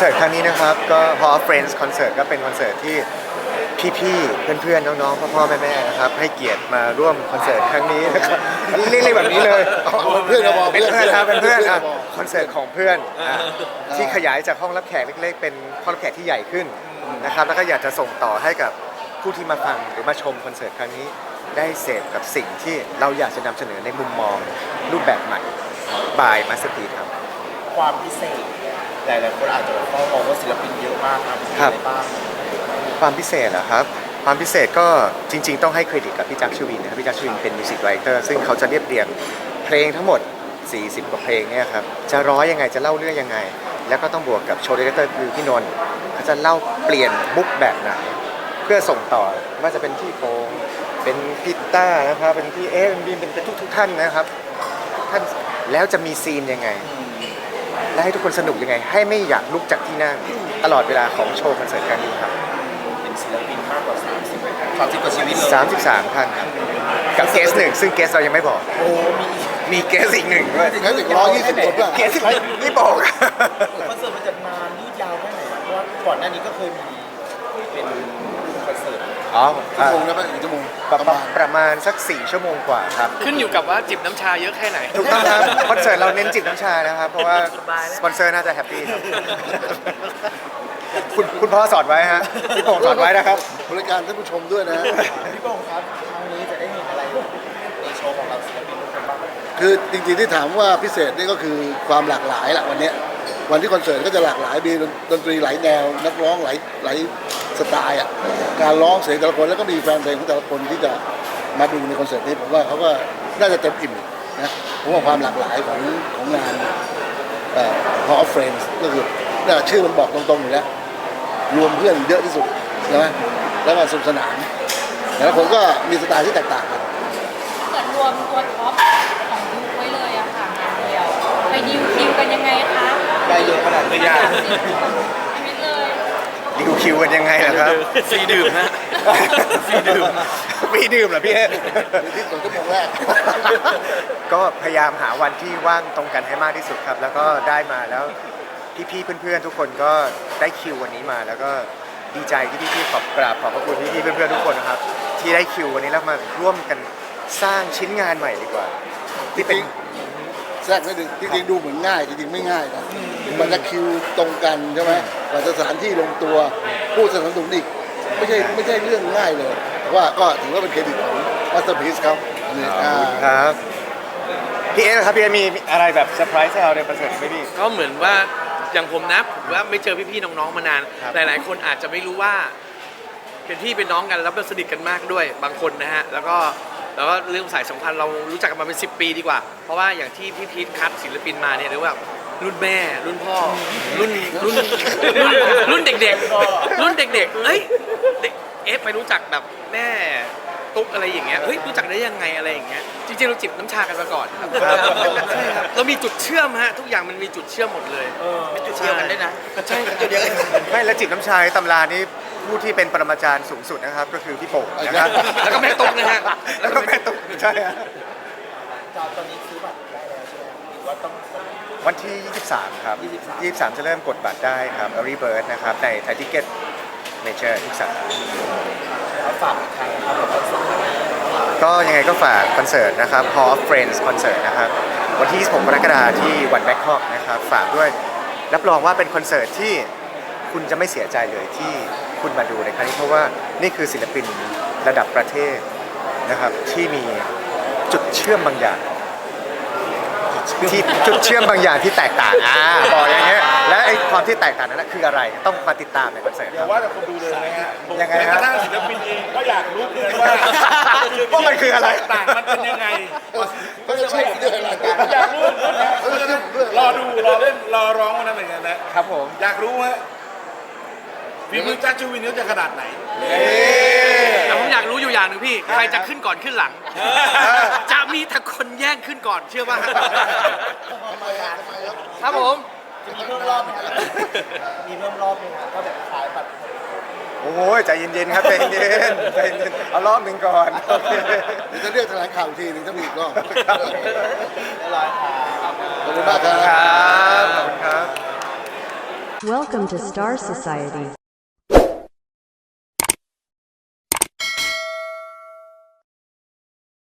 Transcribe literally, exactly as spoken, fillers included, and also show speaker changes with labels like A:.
A: สิร์ตครั้งนี้นะครับก็ Hall of Friends คอนเสิร์ตก็เป็นคอนเสิร์ตที่พี่ๆเพื่อนๆน้องๆพ่อๆแม่ๆนะครับให้เกียรติมาร่วมคอนเสิร์ตครั้งนี้นะครับเรียกๆแบบนี้เลย
B: เพื่อนเราบอก
A: เป็นเพื่อนครับเป็นเพื่อนอ่ะ
B: เพื่อน
A: คอนเสิร์ตของเพื่อนอ่ะที่ขยายจากห้องรับแขกเล็กๆเป็นห้องรับแขกที่ใหญ่ขึ้นนะครับแล้วก็อยากจะส่งต่อให้กับผู้ที่มาฟังหรือมาชมคอนเสิร์ตครั้งนี้ได้เสพกับสิ่งที่เราอยากจะนำเสนอในมุมมองรูปแบบใหม่บายมาสเตอร์พีซครับ
C: ความพิเศษหลายๆคนอาจจะมองว่าศิลปินเยอะมากครับมี
A: ครับ
C: อะไรบ้าง
A: ความพิเศษเหรอครับความพิเศษก็จริง ๆต้องให้เครดิตกับพี่จักรชวินนะครับพี่จักรชวินเป็นมิวสิกดีเรคเตอร์ซึ่งเขาจะเรียบเรียงเพลงทั้งหมดสี่สิบกว่าเพลงเนี่ยครับจะร้อยยังไงจะเล่าเรื่องยังไง แล้วก็ต้องบวกกับโชว์ดีเรคเตอร์คือพี่นนท์เขาจะเล่าเปลี่ยนมุกแบบไหนเพื่อส่งต่อว่าจะเป็นพี่โปงเป็นพี่ต้านะครับเป็นพี่เอ๊เป็นบีมเป็นเป็นทุกๆท่านนะครับท่านแล้วจะมีซีนยังไง และให้ทุกคนสนุกยังไง ให้ไม่อยากลุกจากที่นั่งตลอดเวลาของโชว์คอนเสิร์ตครั้งนี้ครับ
C: เป็นศิลปินมากกว่าสามสิบ สามสิบกว่าชีวิตเลย
A: สามสิบสามท่านครับกับเกสหนึ่งซึ่งเกสเรายังไม่บอก
C: โอ้มี
A: มีเกสอีกหนึ่งด้วย
B: ถึงแค่ถึงร้อยยี่สิบคนป่ะ
A: เกสไม่บอก
C: คอนเสิร์ตมันจะนานยืดยาวแค่ไหนครับเพราะว่าก่อนหน้านี้ก็เคยมีเป็นคอนเสิร์ต
A: อ๋อ
B: ชั่วโมงนะป่ะอีกชั่วโมง
A: ป
B: ประ ระ
A: มา
B: มา
A: ณ
B: ณ
A: ประมาณสักสี่ชั่วโมงกว่าครับ
D: ขึ้นอยู่กับว่าจิบน้ำชาเยอะแค่ไหน
A: ถูกต้องครับคอนเสิร์ตเราเน้นจิบน้ำชานะครับ เพราะว่าสปอนเซอร์น่าจะแฮปปี้ครับคุณคุณพ่อสอนไว้ฮะพี่โป่งสอนไว้นะครับ
B: บริการท่านผู้ชมด้วยนะ
C: พี่โป่งครับครั้งนี้จะได้เห็นอะไรในโชว์ของเราศิลปินทุกคนบ้าง
B: คือจริงๆที่ถามว่าพิเศษนี่ก็คือความหลากหลายแหละวันเนี้ยวันที่คอนเสิร์ตก็จะหลากหลายมีดนตรีหลายแนวนักร้องหลายหลายสไตล์อ่ะการร้องเสียงแต่ละคนแล้วก็มีแฟนเพลงของแต่ละคนที่จะมาดูในคอนเสิร์ตนี้ผมว่าเขาก็น่าจะเต็มอิ่มนะผมว่าความหลากหลายของของงานเอ่อ Hall of Friends ก็คือน่าชื่อมันบอกตรงๆอยู่แล้วรวมเพื่อนเยอะที่สุดใช่ไหมแล้วก็สนุกสนานแต่ละคนก็มีสไตล์ที่แตกต่างกัน
E: เหมือนรวมตัวท็อปของยุคไว้เลยอะค่ะงานเดียวไปดิวคิวกันยังไงคะ
C: ได้เยอะขนาดนี้ยาก
E: ชีวิตเลย
A: ดิวคิวกันยังไงล่ะครับ
D: ฟรีดื่มนะ ฟรีดื่ม
A: ฟรีดื่มเหรอพี่เอ๊ะ
B: ที่สองชั่วโมงแรก
A: ก็พยายามหาวันที่ว่างตรงกันให้มากที่สุดครับ แล้วก็ได้มาแล้วพี่ๆเพื่อนๆทุกคนก็ได้คิววันนี้มา แล้วก็ดีใจที่พี่ๆขอบกราบขอบพระคุณพี่ๆเพื่อนๆทุกคนนะครับ ที่ได้คิววันนี้แล้วมาร่วมกันสร้างชิ้นงานใหม่ดีกว่า ที่เป็น
B: แทรกนิดนึงจริงๆดูเหมือนง่ายจริงๆไม่ง่ายนะมันจะคิวตรงกันใช่ไหมกว่าจะสถานที่ลงตัวผู้สนับสนุนอีกไม่ใช่ไม่ใช่เรื่องง่ายเลยแต่ว่าก็ถือว่าเป็นเครดิตของมาสเตอร์พีซเขาอันนี้
A: ขอบ
B: อ่า
A: คุณครับพี่เอ๊ะครับพี่เอ๊ะมีอะไรแบบเซอร์ไพรส์ให้เราในคอนเสิร์ตไหมพี่
D: ก็เหมือนว่าอย่างผมนะผมว่าไม่เจอพี่ๆน้องๆมานาน
A: ครับ
D: หลายๆคนอาจจะไม่รู้ว่าเป็นพี่เป็นน้องกันแล้วเป็นสนิทกันมากด้วยบางคนนะฮะแล้วก็แล้วก็เรื่องสายสัมพันธ์เรารู้จักกันมาเป็นสิบปีดีกว่า เพราะว่าอย่างที่พี่พีทคัดศิลปินมาเนี่ยเรียกว่ารุ่นแม่ รุ่นพ่อ รุ่นรุ่นรุ่นรุ่นเด็กๆ รุ่นเด็กๆเอ้ยเด็กเอฟไปรู้จักแบบแม่ตุ๊กอะไรอย่างเงี้ยเฮ้ยรู้จักได้ยังไงอะไรอย่างเงี้ยจริงๆเราจิบน้ำชากันมาก่อนครับใช่ครับเรามีจุดเชื่อมฮะทุกอย่างมันมีจุดเชื่อมหมดเลย
C: เป็นจุดเดียวกันด้วยนะ
D: ใช่ครับ
C: จุดเดียวกัน
A: ไม่และจิบน้ำชาในตำรานี้ผู้ที่เป็นปรมาจารย์สูงสุดนะครับ ก็คือพี่โป่งนะครับ
D: แล้วก็แม่ตุ๊กนะฮะ
A: แล้วก็แม่ตุ๊กใช่ฮะ
C: ตอนนี้ซื้อบัตรได้แล้วใช่ไหมหรือว่าต้อง
A: วันที่ ยี่สิบสาม ครับ
C: ยี่สิบสาม
A: ยี่สิบสาม จะเริ่มกดบัตรได้ครับ Early Bird นะครับในไทยทิเก็ตเมเจอร์ทุกสาขา
C: เอาฝากอีกครั้งนะครับกับคอนเสิร์ตนี้
A: ก็ยังไงก็ฝากคอนเสิร์ตนะครับ Hall of Friends คอนเสิร์ตนะครับ วันที่ ยี่สิบหก กรกฎาคมที่วันแบงคอกนะครับ ฝากด้วย รับรองว่าเป็นคอนเสิร์ตที่คุณจะไม่เสียใจเลยที่คุณมาดูในครั้งนี้เพราะว่านี่คือศิลปินระดับประเทศนะครับที่มีจุดเชื่อมบางอย่าง ที่จุดเชื่อมบางอย่างที่แตกต่างอ่าบอกอย่างเงี้ยและไอ้ความที่แตกต่างนั้นนะคืออะไรต้องมาติดตามในคอนเสิร์ตครับ
F: ว่าแต่คนดูเลยนะฮะ
A: ยังไง
F: แม้
A: ฮะ
F: กระทั่งศิลปินเองก็อยากรู้เหมือนกันว่า
A: ว่ามันคืออะไร
F: ต่างมันเป็นยังไง
B: เขาจะเชื่อมเรื่องอะไร
F: อยากรู้เหมือนกันนะ
B: เขาจะเชื่อมเรื่อง
F: รอดูรอเล่นรอร้องวันนั้นเหมือนกันนะครับ
A: ผม
F: อยากรู้ฮะฝีมือจักรชูวินเขาจะขนาดไหน
D: แต่ผมอยากรู้อยู่อย่างหนึ่งพี่ ใครจะขึ้นก่อนขึ้นหลัง จะมีแต่คนแย่งขึ้นก่อนเชื่อป่ะ
B: ทำไมอะทำไมครับ
D: ครับผม
C: จะมีเพิ่มรอบไหมครับมีเพิ่มรอบไหมครับก็แบบขายบัตร
A: โอ้ยใจเย็นๆครับใจเย็นๆใจเย็นๆเอารอบหนึ่งก่อนโอเค
B: เดี๋ยวจะเรียกแถลงข่าวอีกทีหนึงถ้ามีอีกรอบ
C: เรียบร้อยครับ
B: ขอบคุณมากครับ
A: ครับขอบคุณครับ
G: Welcome to Star Society.